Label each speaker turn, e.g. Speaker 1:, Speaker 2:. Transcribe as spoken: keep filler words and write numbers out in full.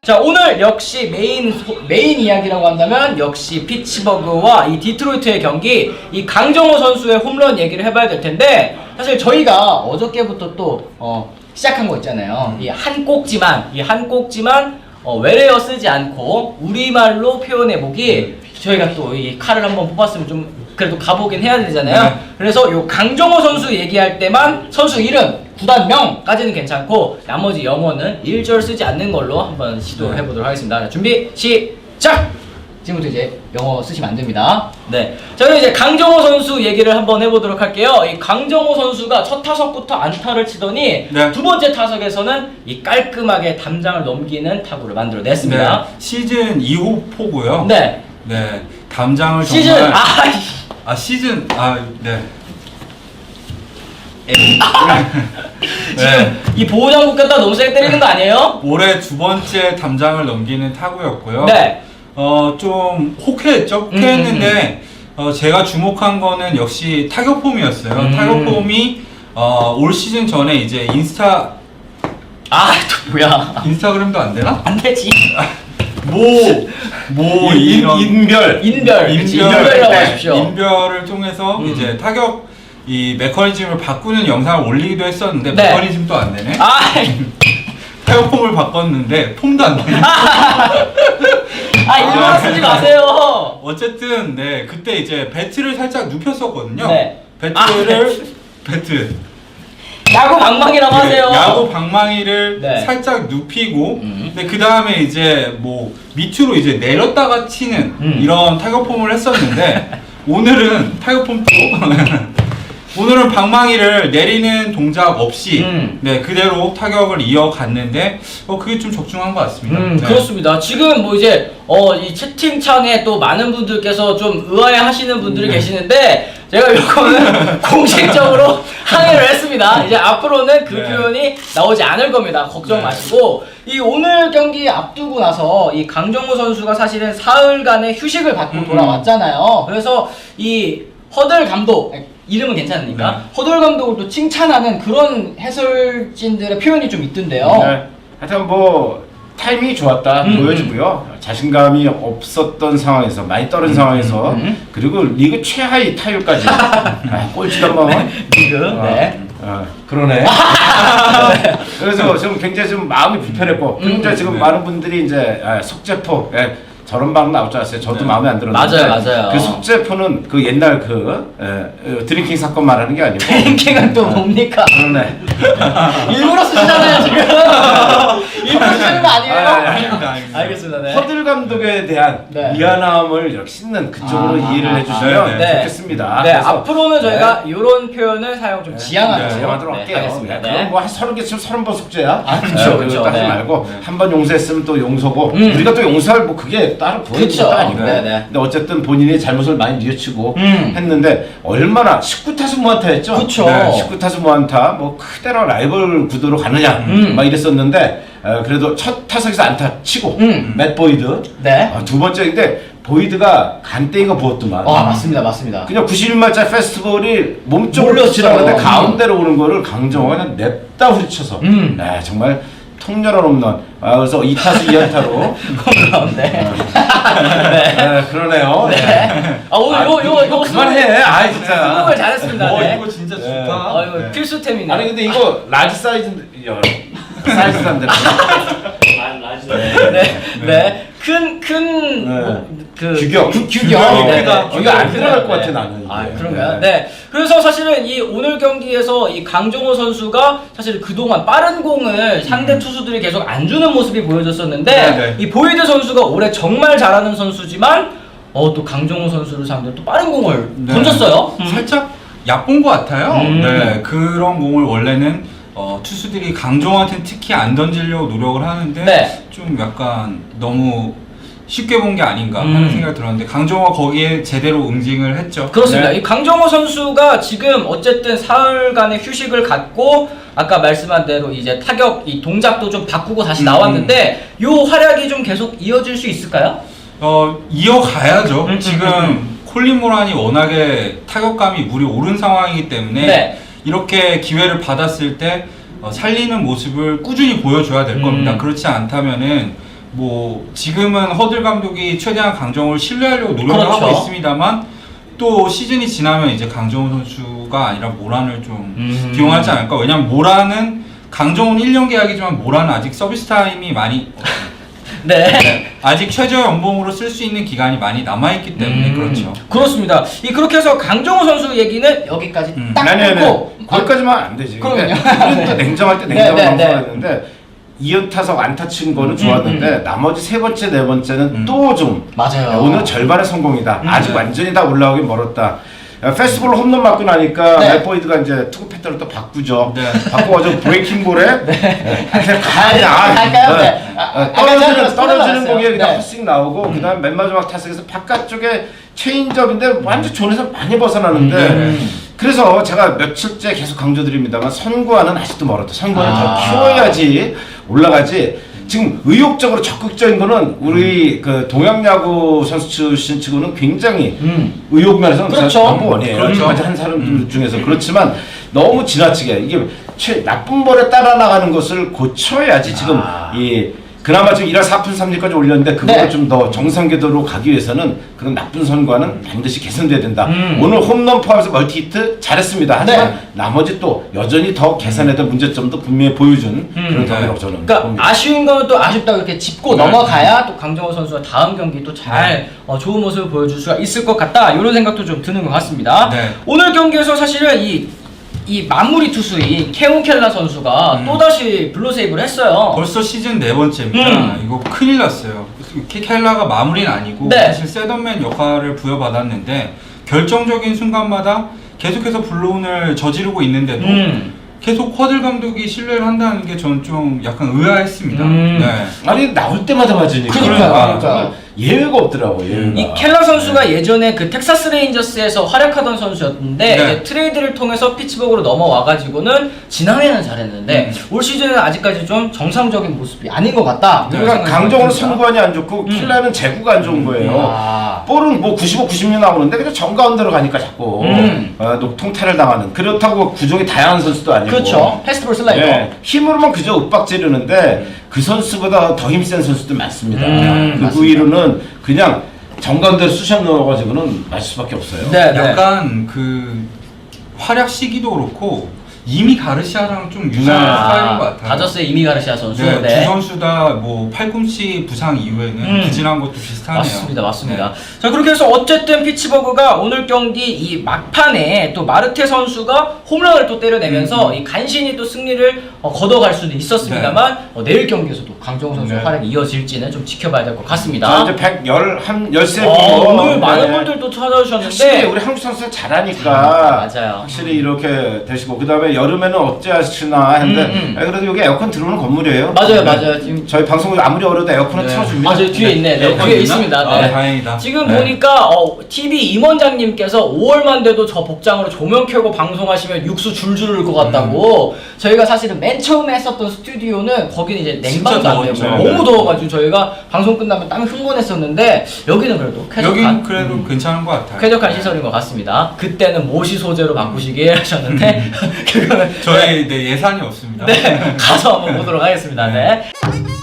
Speaker 1: 자, 오늘 역시 메인 소, 메인 이야기라고 한다면 역시 피츠버그와 이 디트로이트의 경기, 이 강정호 선수의 홈런 얘기를 해봐야 될 텐데, 사실 저희가 어저께부터 또 어, 시작한 거 있잖아요.
Speaker 2: 음.
Speaker 1: 이 한 꼭지만 이 한 꼭지만 어, 외래어 쓰지 않고 우리말로 표현해 보기. 저희가 또 이 칼을 한번 뽑았으면 좀 그래도 가보긴 해야 되잖아요.
Speaker 2: 네.
Speaker 1: 그래서 요 강정호 선수 얘기할 때만 선수 이름, 구단명까지는 괜찮고 나머지 영어는 일 절 쓰지 않는 걸로 한번 시도를
Speaker 2: 네.
Speaker 1: 해보도록 하겠습니다. 자, 준비 시작! 지금부터 이제 영어 쓰시면 안 됩니다. 네, 저는 이제 강정호 선수 얘기를 한번 해보도록 할게요. 이 강정호 선수가 첫 타석부터 안타를 치더니
Speaker 2: 네.
Speaker 1: 두 번째 타석에서는 이 깔끔하게 담장을 넘기는 타구를 만들어냈습니다.
Speaker 2: 네, 시즌 이 호 포고요.
Speaker 1: 네,
Speaker 2: 네, 담장을
Speaker 1: 시즌
Speaker 2: 정말
Speaker 1: 아,
Speaker 2: 아 시즌 아 네.
Speaker 1: 지금 이 보호장구 꼈다 너무 세게 때리는 거 아니에요?
Speaker 2: 올해 두 번째 담장을 넘기는 타구였고요.
Speaker 1: 네.
Speaker 2: 어, 좀 호쾌했죠. 호쾌했는데 어, 제가 주목한 거는 역시 타격폼이었어요.
Speaker 1: 음.
Speaker 2: 타격폼이 어, 올 시즌 전에 이제 인스타
Speaker 1: 아, 또 뭐야?
Speaker 2: 인스타그램도 안 되나?
Speaker 1: 안 되지.
Speaker 2: 뭐뭐
Speaker 3: 인,
Speaker 2: 이런
Speaker 3: 인별
Speaker 1: 인별, 그치, 인별이라고
Speaker 3: 네.
Speaker 1: 하십시오.
Speaker 2: 인별을 통해서
Speaker 1: 음.
Speaker 2: 이제 타격 이 메커니즘을 바꾸는 영상을 올리기도 했었는데
Speaker 1: 네.
Speaker 2: 메커니즘도 안 되네.
Speaker 1: 아,
Speaker 2: 타격폼을 바꿨는데 폼도 안 되네.
Speaker 1: 아 일부러 쓰지 마세요.
Speaker 2: 어쨌든 네 그때 이제 배트를 살짝 눕혔었거든요.
Speaker 1: 네.
Speaker 2: 배트를 배트
Speaker 1: 야구 방망이라고
Speaker 2: 네,
Speaker 1: 하세요.
Speaker 2: 야구 방망이를
Speaker 1: 네.
Speaker 2: 살짝 눕히고,
Speaker 1: 음.
Speaker 2: 근데 그 다음에 이제 뭐 밑으로 이제 내렸다가 치는
Speaker 1: 음.
Speaker 2: 이런 타격폼을 했었는데 오늘은 타격폼 또 오늘은 방망이를 내리는 동작 없이
Speaker 1: 음.
Speaker 2: 네 그대로 타격을 이어갔는데 어 그게 좀 적중한 것 같습니다.
Speaker 1: 음,
Speaker 2: 네.
Speaker 1: 그렇습니다. 지금 뭐 이제 어 이 채팅창에 또 많은 분들께서 좀 의아해하시는 분들이
Speaker 2: 네.
Speaker 1: 계시는데 제가 이거는 공식적으로 항의를 했습니다. 이제 앞으로는 그
Speaker 2: 네.
Speaker 1: 표현이 나오지 않을 겁니다. 걱정
Speaker 2: 네.
Speaker 1: 마시고 이 오늘 경기 앞두고 나서 이 강정호 선수가 사실은 사흘간의 휴식을 받고
Speaker 2: 음.
Speaker 1: 돌아왔잖아요. 그래서 이 허들 감독 이름은 괜찮으니까
Speaker 2: 네.
Speaker 1: 허들 감독을 또 칭찬하는 그런 해설진들의 표현이 좀 있던데요.
Speaker 3: 네. 하여튼 뭐 타이밍이 좋았다
Speaker 1: 음,
Speaker 3: 보여지고요. 자신감이 없었던 상황에서 많이 떨어진 상황에서
Speaker 1: 음.
Speaker 3: 그리고 리그 최하위 타율까지 아, 꼴찌도 한번
Speaker 1: 리그
Speaker 3: 어,
Speaker 1: 네.
Speaker 3: 어, 그러네. 그래서 지금 굉장히 좀 마음이 불편했고 그리고 이제 지금
Speaker 2: 네.
Speaker 3: 많은 분들이 이제 아, 속재포 예, 저런 방송 나올 줄 알았어요. 저도
Speaker 2: 네.
Speaker 3: 마음에 안 들었는데
Speaker 1: 맞아요, 맞아요.
Speaker 3: 그 속재포는 그 옛날 그 예, 어, 드링킹 사건 말하는 게 아니고
Speaker 1: 랭킹은 또 뭡니까?
Speaker 3: 그러네.
Speaker 1: 일부러 쓰시잖아요 지금. 일부러 쓰는 거 아니에요?
Speaker 3: 아, 아, 아,
Speaker 2: 아닙니다, 아닙니다.
Speaker 1: 알겠습니다. 네.
Speaker 3: 허들 감독에 대한
Speaker 1: 네.
Speaker 3: 미안함을 이렇게 씻는 그쪽으로
Speaker 1: 아,
Speaker 3: 이해를
Speaker 1: 아,
Speaker 3: 해주시면
Speaker 1: 네.
Speaker 3: 좋겠습니다.
Speaker 1: 네,
Speaker 3: 그래서
Speaker 1: 앞으로는 저희가 이런 표현을 사용 좀
Speaker 3: 네,
Speaker 1: 지양하도록
Speaker 3: 네, 지양하도록
Speaker 1: 네,
Speaker 3: 할게요.
Speaker 1: 하겠습니다.
Speaker 3: 네,
Speaker 1: 네.
Speaker 3: 그럼 뭐한 서른 개 치면 서른 번 속죄야.
Speaker 1: 아, 그쵸, 그쵸.
Speaker 3: 따지
Speaker 1: 네.
Speaker 3: 말고
Speaker 2: 네.
Speaker 3: 한 번 용서했으면 또 용서고
Speaker 1: 음.
Speaker 3: 우리가 또 용서할 뭐 그게 따로 보이는
Speaker 1: 그쵸.
Speaker 3: 것도 아니고.
Speaker 1: 네, 네.
Speaker 3: 근데 어쨌든 본인이 잘못을 많이 뉘우치고
Speaker 1: 음.
Speaker 3: 했는데 얼마나 십구 타수 무안타였죠.
Speaker 1: 그쵸.
Speaker 3: 네, 십구 타수 무안타 뭐 그대로 라이벌 구도로 가느냐
Speaker 1: 음.
Speaker 3: 막 이랬었는데 어, 그래도 첫 타석에서 안타 치고
Speaker 1: 음.
Speaker 3: 맷 보이드
Speaker 1: 네.
Speaker 3: 아, 두 번째인데 보이드가 간땡이가 부었더만.
Speaker 1: 아 맞습니다, 맞습니다.
Speaker 3: 그냥 구십일 마일짜리 페스티벌이 몸쪽으로
Speaker 1: 몰렸어요.
Speaker 3: 지나가는데
Speaker 1: 음.
Speaker 3: 가운데로 오는 거를 강정호가 그냥 냅다 후리쳐서
Speaker 1: 음.
Speaker 3: 네, 정말 통렬한 홈런. 아, 그래서 이 타수 이 안타로
Speaker 1: 홈런. 네.
Speaker 3: 네, 그러네요.
Speaker 1: 네. 아 오늘 요 요 요
Speaker 3: 그만해. 아 진짜.
Speaker 1: 수고를 잘했습니다.
Speaker 2: 어
Speaker 1: 네.
Speaker 2: 이거 진짜
Speaker 3: 네.
Speaker 2: 좋다.
Speaker 1: 아 이거
Speaker 2: 네.
Speaker 1: 필수템이네.
Speaker 3: 아니 근데 이거 라지 사이즈인데 야, 사이즈도 안 되네.
Speaker 1: 네, 네, 큰, 큰,
Speaker 3: 네.
Speaker 1: 뭐, 그,
Speaker 3: 규격.
Speaker 1: 규, 규격.
Speaker 2: 규격이
Speaker 1: 네,
Speaker 2: 크다.
Speaker 1: 네.
Speaker 3: 규격 안
Speaker 1: 규격이
Speaker 3: 들어갈
Speaker 1: 크다.
Speaker 3: 것 같아,
Speaker 1: 네.
Speaker 3: 나는 이게.
Speaker 1: 아, 그런가요?
Speaker 3: 네.
Speaker 1: 네. 그래서 사실은 이 오늘 경기에서 이 강정호 선수가 사실 그동안 빠른 공을 상대 투수들이 계속 안 주는 모습이 보여졌었는데,
Speaker 2: 네, 네.
Speaker 1: 이 보이드 선수가 올해 정말 잘하는 선수지만, 어, 또 강정호 선수를 상대로 또 빠른 공을
Speaker 2: 네.
Speaker 1: 던졌어요. 음.
Speaker 2: 살짝 얕본 것 같아요.
Speaker 1: 음.
Speaker 2: 네, 그런 공을 원래는 어, 투수들이 강정호한테는 특히 안 던지려고 노력을 하는데
Speaker 1: 네.
Speaker 2: 좀 약간 너무 쉽게 본 게 아닌가
Speaker 1: 음.
Speaker 2: 하는 생각이 들었는데 강정호가 거기에 제대로 응징을 했죠.
Speaker 1: 그렇습니다.
Speaker 2: 네.
Speaker 1: 이 강정호 선수가 지금 어쨌든 사흘간의 휴식을 갖고 아까 말씀한 대로 이제 타격 이 동작도 좀 바꾸고 다시
Speaker 2: 음.
Speaker 1: 나왔는데 요 활약이 좀 계속 이어질 수 있을까요?
Speaker 2: 어, 이어가야죠.
Speaker 1: 음, 음,
Speaker 2: 지금
Speaker 1: 음,
Speaker 2: 콜린 모란이 워낙에 타격감이 물이 오른 상황이기 때문에
Speaker 1: 네.
Speaker 2: 이렇게 기회를 받았을 때 어, 살리는 모습을 꾸준히 보여줘야 될
Speaker 1: 음.
Speaker 2: 겁니다. 그렇지 않다면은 뭐 지금은 허들 감독이 최대한 강정호를 신뢰하려고 노력을
Speaker 1: 그렇죠.
Speaker 2: 하고 있습니다만 또 시즌이 지나면 이제 강정호 선수가 아니라 모란을 좀
Speaker 1: 음.
Speaker 2: 기용하지 않을까. 왜냐면 모란은 강정호는 일 년 계약이지만 모란은 아직 서비스 타임이 많이
Speaker 1: 네.
Speaker 2: 아직 최저 연봉으로 쓸 수 있는 기간이 많이 남아있기 때문에
Speaker 1: 음,
Speaker 2: 그렇죠.
Speaker 1: 그렇습니다. 이 그렇게 해서 강정호 선수 얘기는 여기까지
Speaker 2: 음.
Speaker 1: 딱
Speaker 3: 아니 아니
Speaker 1: 끊고
Speaker 3: 거기까지만 안 되지.
Speaker 1: 그럼요.
Speaker 3: 우리는 또 냉정할 때
Speaker 1: 네,
Speaker 3: 냉정한
Speaker 1: 네, 네.
Speaker 3: 방송했는데 이연타석 안타 친 거는 좋았는데
Speaker 1: 음,
Speaker 3: 나머지 세 번째 네 번째는
Speaker 2: 음.
Speaker 3: 또 좀
Speaker 1: 맞아요.
Speaker 3: 오늘 절반의 성공이다.
Speaker 1: 음.
Speaker 3: 아직 완전히 다 올라오긴 멀었다. 페스티벌 홈런 맞고 나니까
Speaker 1: 네.
Speaker 3: 맥보이드가 이제 투구 패턴을 또 바꾸죠.
Speaker 2: 네.
Speaker 3: 바꿔가지고 브레이킹 볼에 네.
Speaker 1: 아니, 할까요? 네. 아,
Speaker 3: 어,
Speaker 1: 아까
Speaker 3: 떨어지는
Speaker 1: 전에
Speaker 3: 떨어지는
Speaker 1: 나왔어요.
Speaker 3: 공에 그냥
Speaker 1: 네.
Speaker 3: 헛스윙 나오고 그다음 맨 마지막 타석에서 바깥쪽에 체인지업인데 완전 존에서 많이 벗어나는데
Speaker 1: 음.
Speaker 3: 그래서 제가 며칠째 계속 강조드립니다만 선구와는 아직도 멀었다. 선구와는
Speaker 1: 아.
Speaker 3: 더 키워야지 올라가지. 지금 의욕적으로 적극적인 거는 우리 그 동양야구 선수 출신 치고는 굉장히
Speaker 1: 음.
Speaker 3: 의욕 면에서는
Speaker 1: 그렇죠.
Speaker 3: 넘버원이에요.
Speaker 2: 그렇죠.
Speaker 3: 지금까지 한 사람 중에서 그렇지만 너무 지나치게 이게 최, 나쁜 볼에 따라 나가는 것을 고쳐야지 지금
Speaker 1: 아.
Speaker 3: 이 그나마 지금 일 할 사 푼 삼 리까지 올렸는데 그거를
Speaker 1: 네.
Speaker 3: 좀 더 정상 궤도로 가기 위해서는 그런 나쁜 선과는 반드시 개선돼야 된다.
Speaker 1: 음.
Speaker 3: 오늘 홈런 포함해서 멀티히트 잘했습니다. 하지만
Speaker 1: 네.
Speaker 3: 나머지 또 여전히 더 개선해야 될 문제점도 분명히 보여준 그런 경기라고 저는
Speaker 1: 그러니까
Speaker 3: 봅니다.
Speaker 1: 아쉬운 건 또 아쉽다 이렇게 짚고
Speaker 2: 네.
Speaker 1: 넘어가야 또 강정호 선수가 다음 경기 또 잘 어, 좋은 모습을 보여줄 수가 있을 것 같다 이런 생각도 좀 드는 것 같습니다.
Speaker 2: 네.
Speaker 1: 오늘 경기에서 사실은 이, 이 마무리 투수인 케온 켈라 선수가
Speaker 2: 음.
Speaker 1: 또다시 블루 세이브를 했어요.
Speaker 2: 벌써 시즌 네 번째입니다.
Speaker 1: 음.
Speaker 2: 이거 큰일 났어요. 켈라가 마무리는 아니고
Speaker 1: 네.
Speaker 2: 사실 세던맨 역할을 부여받았는데 결정적인 순간마다 계속해서 블루온을 저지르고 있는데도
Speaker 1: 음.
Speaker 2: 계속 허들 감독이 신뢰를 한다는 게 전 좀 약간 의아했습니다.
Speaker 1: 음.
Speaker 2: 네.
Speaker 3: 아니 나올 때마다 맞으니까
Speaker 1: 그러니까요,
Speaker 3: 그러니까
Speaker 1: 그러니까요.
Speaker 3: 예외가 없더라고. 예외가.
Speaker 1: 이 켈라 선수가 예전에 그 텍사스 레인저스에서 활약하던 선수였는데
Speaker 2: 네.
Speaker 1: 이제 트레이드를 통해서 피츠버그로 넘어와가지고는 지난해는 잘했는데 올 시즌은 아직까지 좀 정상적인 모습이 아닌 것 같다.
Speaker 2: 네.
Speaker 1: 이런 생각이
Speaker 3: 강정호는
Speaker 1: 듭니다.
Speaker 3: 선구안이 안 좋고
Speaker 1: 음.
Speaker 3: 킬라는 제구가 안 좋은 거예요.
Speaker 1: 아.
Speaker 3: 볼은 뭐 구십오, 구십육 나오는데 그냥 정가운데로 가니까 자꾸
Speaker 1: 음.
Speaker 3: 어, 녹통탈을 당하는. 그렇다고 구종이 다양한 선수도 아니고.
Speaker 1: 그렇죠. 패스트볼 슬라이더.
Speaker 3: 예, 힘으로만 그저 윽박지르는데 그 선수보다 더 힘센 선수들 많습니다.
Speaker 1: 음,
Speaker 3: 그
Speaker 1: 맞습니다.
Speaker 3: 부위로는 그냥 정가운데로 쑤셔 넣어가지고는 맞을 수밖에 없어요.
Speaker 1: 네, 네.
Speaker 2: 약간 그 활약 시기도 그렇고 이미 가르시아랑 좀 유사한 스타일인 것 같아요.
Speaker 1: 다저스의 이미 가르시아 선수.
Speaker 2: 네,
Speaker 1: 네.
Speaker 2: 두 선수 다 뭐 팔꿈치 부상 이후에는
Speaker 1: 음.
Speaker 2: 부진한 것도 비슷하네요.
Speaker 1: 맞습니다, 맞습니다.
Speaker 2: 네.
Speaker 1: 자, 그렇게 해서 어쨌든 피츠버그가 오늘 경기 이 막판에 또 마르테 선수가 홈런을 또 때려내면서
Speaker 2: 음.
Speaker 1: 이 간신히 또 승리를 어, 걷어갈 수는 있었습니다만 어, 내일 경기에서도 강정호 선수의
Speaker 3: 네.
Speaker 1: 활약이 이어질지는 좀 지켜봐야 될 것
Speaker 3: 자,
Speaker 1: 같습니다.
Speaker 3: 이제 백십일 분.
Speaker 1: 어, 오늘 많은 분들 또
Speaker 3: 확실히
Speaker 1: 찾아주셨는데
Speaker 3: 우리 한국 선수가 잘하니까
Speaker 1: 맞아요.
Speaker 3: 확실히 이렇게 되시고 그 다음에 여름에는 어찌 하시나 했는데
Speaker 1: 음, 음.
Speaker 3: 아, 그래도 여기 에어컨 들어오는 건물이에요.
Speaker 1: 맞아요,
Speaker 3: 네.
Speaker 1: 맞아요. 지금
Speaker 3: 저희 방송을 아무리 어려도 에어컨을
Speaker 2: 네.
Speaker 3: 틀어줍니다.
Speaker 1: 아, 저 뒤에 있네. 네,
Speaker 2: 에어컨
Speaker 1: 뒤에
Speaker 2: 있나?
Speaker 1: 있습니다.
Speaker 2: 아,
Speaker 1: 네.
Speaker 2: 다행이다.
Speaker 1: 지금
Speaker 2: 네.
Speaker 1: 보니까 어, 티비 임원장님께서 오월만 돼도 저 복장으로 조명 켜고 방송하시면 육수 줄줄 흐를 것 같다고.
Speaker 2: 음.
Speaker 1: 저희가 사실은 맨 처음에 했었던 스튜디오는 거기는 이제 냉방도 안 되고
Speaker 2: 더웠죠.
Speaker 1: 너무
Speaker 3: 네.
Speaker 1: 더워가지고 저희가 방송 끝나면 땀이 흥건했었는데 여기는 그래도 쾌적한
Speaker 2: 여긴 그래도 괜찮은 것 같아요.
Speaker 1: 쾌적한
Speaker 2: 네.
Speaker 1: 시설인 것 같습니다. 그때는 모시 소재로 바꾸시길 하셨는데 그거는
Speaker 2: 저희 네, 예산이 없습니다.
Speaker 1: 네, 가서 한번 보도록 하겠습니다. 네.